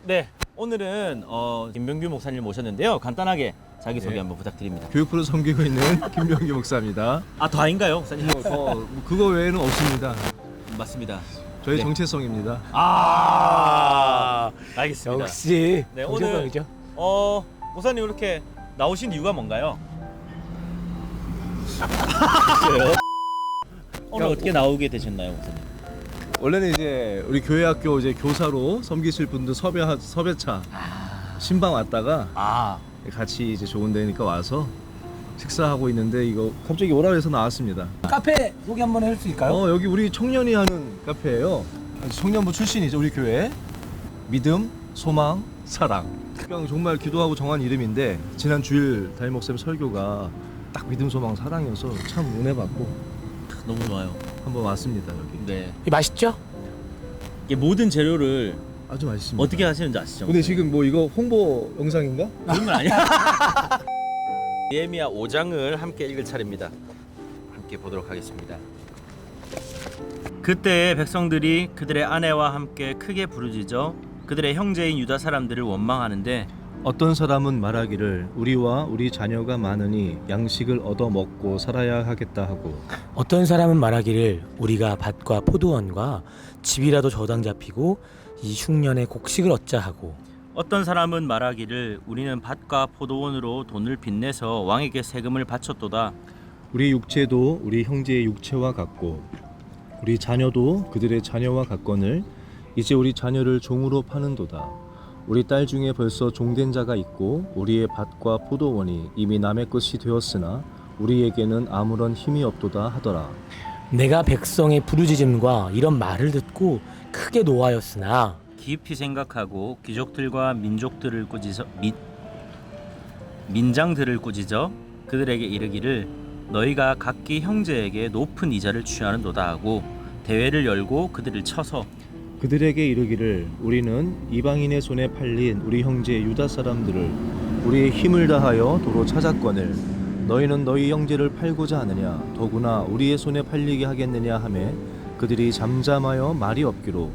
네, 오늘은 김병규 목사님 모셨는데요. 간단하게 자기소개 네. 한번 부탁드립니다. 교육부를 섬기고 있는 김병규 목사입니다. 아, 더 아닌가요, 목사님? 그거 외에는 없습니다. 맞습니다. 저희 네. 정체성입니다. 알겠습니다. 역시 네, 정체성이죠. 목사님 이렇게 나오신 이유가 뭔가요? 오늘 어떻게 나오게 되셨나요, 목사님? 원래는 이제 우리 교회 학교 이제 교사로 섬기실 분들 섭외차 신방 왔다가 같이 이제 좋은 데니까 와서 식사하고 있는데 이거 갑자기 오라 해서 나왔습니다. 카페 소개 한번 할 수 있을까요? 여기 우리 청년이 하는 카페예요. 청년부 출신이죠, 우리 교회. 믿음, 소망, 사랑. 그냥 정말 기도하고 정한 이름인데 지난 주일 담임 목사님 설교가 딱 믿음, 소망, 사랑이어서 참 은혜 받고 너무 좋아요. 한번 왔습니다 여기. 네, 맛있죠? 이게 모든 재료를 아주 맛있습니다. 어떻게 하시는지 아시죠? 근데 지금 뭐 이거 홍보 영상인가? 그런 건 아니야. 예레미야 5장을 함께 읽을 차례입니다. 함께 보도록 하겠습니다. 그때 백성들이 그들의 아내와 함께 크게 부르짖어 그들의 형제인 유다 사람들을 원망하는데 어떤 사람은 말하기를 우리와 우리 자녀가 많으니 양식을 얻어 먹고 살아야 하겠다 하고, 어떤 사람은 말하기를 우리가 밭과 포도원과 집이라도 저당 잡히고 이 흉년에 곡식을 얻자 하고, 어떤 사람은 말하기를 우리는 밭과 포도원으로 돈을 빚내서 왕에게 세금을 바쳤도다. 우리 육체도 우리 형제의 육체와 같고 우리 자녀도 그들의 자녀와 같거늘 이제 우리 자녀를 종으로 파는도다. 우리 딸 중에 벌써 종된 자가 있고 우리의 밭과 포도원이 이미 남의 것이 되었으나 우리에게는 아무런 힘이 없도다 하더라. 내가 백성의 부르짖음과 이런 말을 듣고 크게 노하였으나 깊이 생각하고 귀족들과 민족들을 꾸짖어 민장들을 꾸짖어 그들에게 이르기를 너희가 각기 형제에게 높은 이자를 취하는도다 하고 대회를 열고 그들을 쳐서 그들에게 이르기를 우리는 이방인의 손에 팔린 우리 형제 유다 사람들을 우리의 힘을 다하여 도로 찾았거늘 너희는 너희 형제를 팔고자 하느냐 더구나 우리의 손에 팔리게 하겠느냐 하매 그들이 잠잠하여 말이 없기로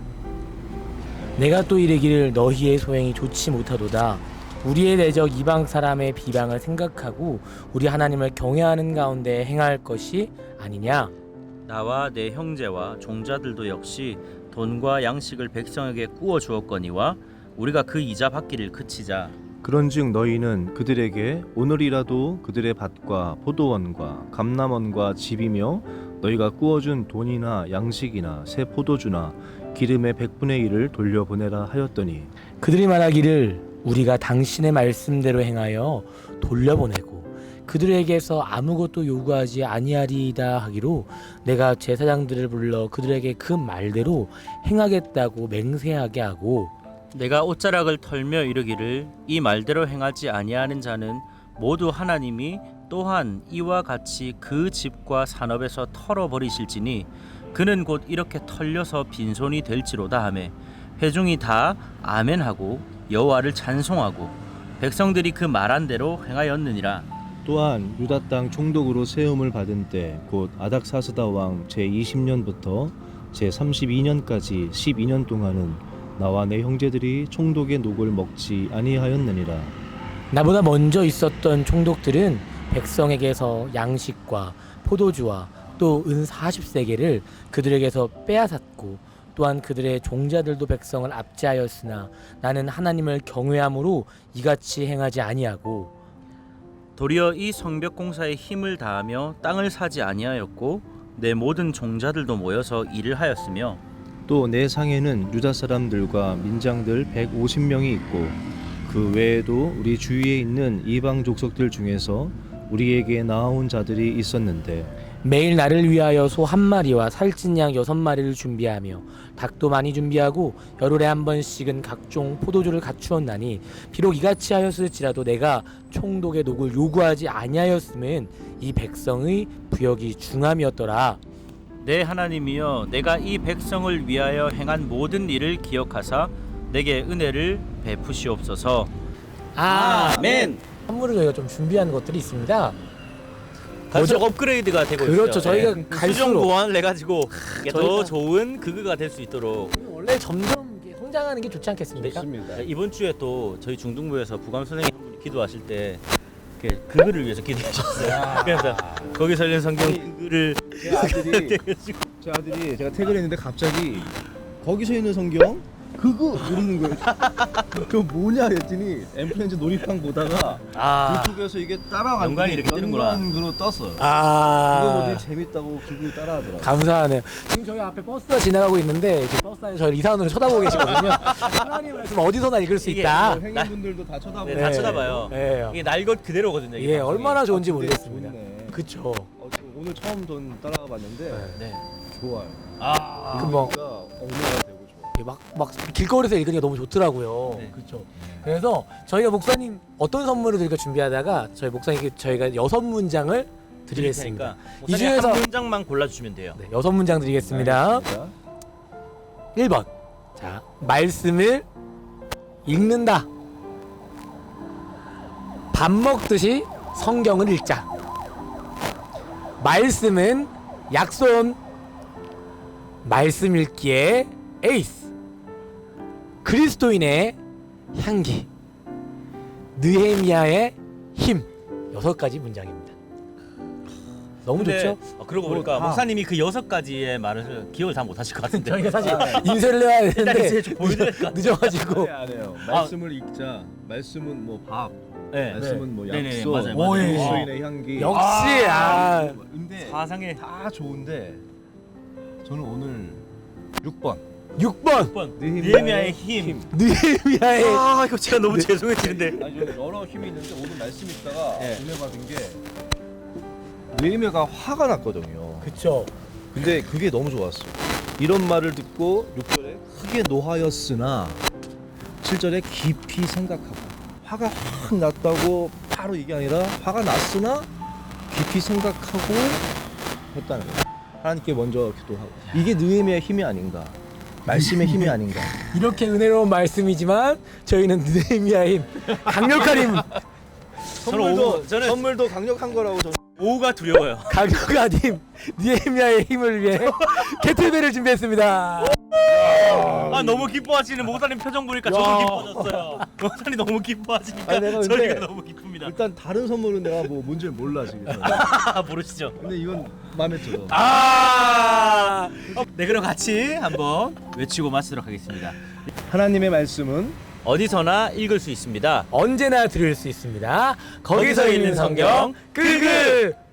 내가 또 이르기를 너희의 소행이 좋지 못하도다. 우리의 대적 이방 사람의 비방을 생각하고 우리 하나님을 경외하는 가운데 행할 것이 아니냐. 나와 내 형제와 종자들도 역시 돈과 양식을 백성에게 구워 주었거니와 우리가 그 이자 받기를 그치자. 그런즉 너희는 그들에게 오늘이라도 그들의 밭과 포도원과 감람원과 집이며 너희가 구워준 돈이나 양식이나 새 포도주나 기름의 100분의 1을 돌려보내라 하였더니 그들이 말하기를 우리가 당신의 말씀대로 행하여 돌려보내고 그들에게서 아무것도 요구하지 아니하리이다 하기로 내가 제사장들을 불러 그들에게 그 말대로 행하겠다고 맹세하게 하고 내가 옷자락을 털며 이르기를 이 말대로 행하지 아니하는 자는 모두 하나님이 또한 이와 같이 그 집과 산업에서 털어버리실지니 그는 곧 이렇게 털려서 빈손이 될지로다 하매 회중이 다 아멘하고 여호와를 찬송하고 백성들이 그 말한 대로 행하였느니라. 또한 유다 땅 총독으로 세움을 받은 때 곧 아닥사스다 왕 제20년부터 제32년까지 12년 동안은 나와 내 형제들이 총독의 녹을 먹지 아니하였느니라. 나보다 먼저 있었던 총독들은 백성에게서 양식과 포도주와 또 은 40세겔을 그들에게서 빼앗았고 또한 그들의 종자들도 백성을 압제하였으나 나는 하나님을 경외함으로 이같이 행하지 아니하고 도리어 이 성벽 공사에 힘을 다하며 땅을 사지 아니하였고 내 모든 종자들도 모여서 일을 하였으며 또 내 상에는 유다 사람들과 민장들 150명이 있고 그 외에도 우리 주위에 있는 이방 족속들 중에서 우리에게 나아온 자들이 있었는데 매일 나를 위하여 소 1마리와 살찐 양 6마리를 준비하며 닭도 많이 준비하고 열흘에 한 번씩은 각종 포도주를 갖추었나니 비록 이같이 하였을지라도 내가 총독의 녹을 요구하지 아니하였음은 이 백성의 부역이 중함이었더라. 내 하나님이여 내가 이 백성을 위하여 행한 모든 일을 기억하사 내게 은혜를 베푸시옵소서. 아멘. 선물을 저희가 좀 준비한 것들이 있습니다. 갈수록 업그레이드가 되고 있어요. 그렇죠. 저희가 수정 갈수록 보완을 해가지고 이게 더 저희가- 좋은 그거가 될 수 있도록. 원래 점점 성장하는 게 좋지 않겠습니까? 좋습니다. 이번 주에 또 저희 중등부에서 부감 선생님 한 분이 기도하실 때 그거를 위해서 기도하셨어요. 그래서 거기서 읽는 성경 그거를 제 아들이 제가 퇴근했는데 갑자기 거기서 있는 성경 그거 이러는 거예요. 그거 뭐냐 했더니 엠프렌즈 놀이방 보다가 유튜브에서 이게 따라가는 연관이 이렇게 뜨는구나. 연관으로 떴어요. 그거 보더니 아, 재밌다고 그거 따라하더라고요. 감사하네요. 지금 저희 앞에 버스가 지나가고 있는데 이제 버스 안에 저를 이상한으로 쳐다보고 계시거든요. 하나님의 말씀 어디서나 읽을 수 이게 있다. 행인분들도 다 쳐다보고 네, 다 쳐다봐요. 예, 이게 날 것 그대로거든요. 이게 예, 방송이. 얼마나 좋은지 근데 모르겠습니다. 좋네. 그쵸. 오늘 처음 전 따라가 봤는데 네. 좋아요. 아, 뭐- 그러니까 엉망이 되고 좋아. 막 길거리에서 읽으니까 너무 좋더라고요. 네. 그렇죠. 그래서 저희가 목사님 어떤 선물을 드릴까 준비하다가 저희 목사님께 저희가 6문장을 드리겠습니다. 이 이 중에서 중에서- 한 문장만 골라주시면 돼요. 네, 6문장 드리겠습니다. 알겠습니다. 1번. 자, 말씀을 읽는다. 밥 먹듯이 성경을 읽자. 말씀은 약손. 말씀 읽기에 에이스. 그리스도인의 향기. 느헤미야의 힘. 6가지 문장입니다. 너무 근데, 좋죠? 그러고 뭐 보니까 다- 목사님이 그 6가지의 말을 기억을 다 못하실 것 같은데. 저희가 사실 인쇄를 해야 일단 되는데 이제 좀 보여드릴 것 같아요. 늦어가지고 안 해요. 말씀을 읽자. 말씀은 뭐 밥. 네. 말씀은 뭐 네네, 약속. 맞아요, 맞아요. 그리스도인의 향기. 역시 근데 사상의 다 좋은데 저는 오늘 6번 6번 6번 느헤미야의 느헤미야의 힘. 느헤미야의 아 이거 제가 너무 죄송해지는데. 아니 저는 여러 힘이 있는데 오늘 말씀 읽다가 네. 은혜 받은 게 느헤미야가 화가 났거든요. 그쵸. 근데 그게 너무 좋았어. 이런 말을 듣고 6절에 크게 노하였으나 7절에 깊이 생각하고 화가 확 났다고 바로 이게 아니라 화가 났으나 깊이 생각하고 했다는 거예요. 하나님께 먼저 기도하고 이게 느헤미야의 힘이 아닌가 말씀의 힘이 아닌가. 이렇게 은혜로운 말씀이지만 저희는 느헤미야의 힘, 강력한 힘, 선물도 강력한 거라고 저는. 오가 두려워요. 강력한 힘, 느헤미야의 힘을 위해 개틀벨을 준비했습니다. 아 너무 기뻐하시는 목사님 표정 보니까 저도 야. 기뻐졌어요. 목사님 너무 기뻐하시니까 아니, 내가 근데 저희가 너무 기쁩니다. 일단 다른 선물은 내가 뭐 뭔지 몰라 지금. 모르시죠? 근데 이건 마음에 들어. 네 그럼 같이 한번 외치고 마치도록 하겠습니다. 하나님의 말씀은 어디서나 읽을 수 있습니다. 언제나 들을 수 있습니다. 거기서 읽는 성경 끄그.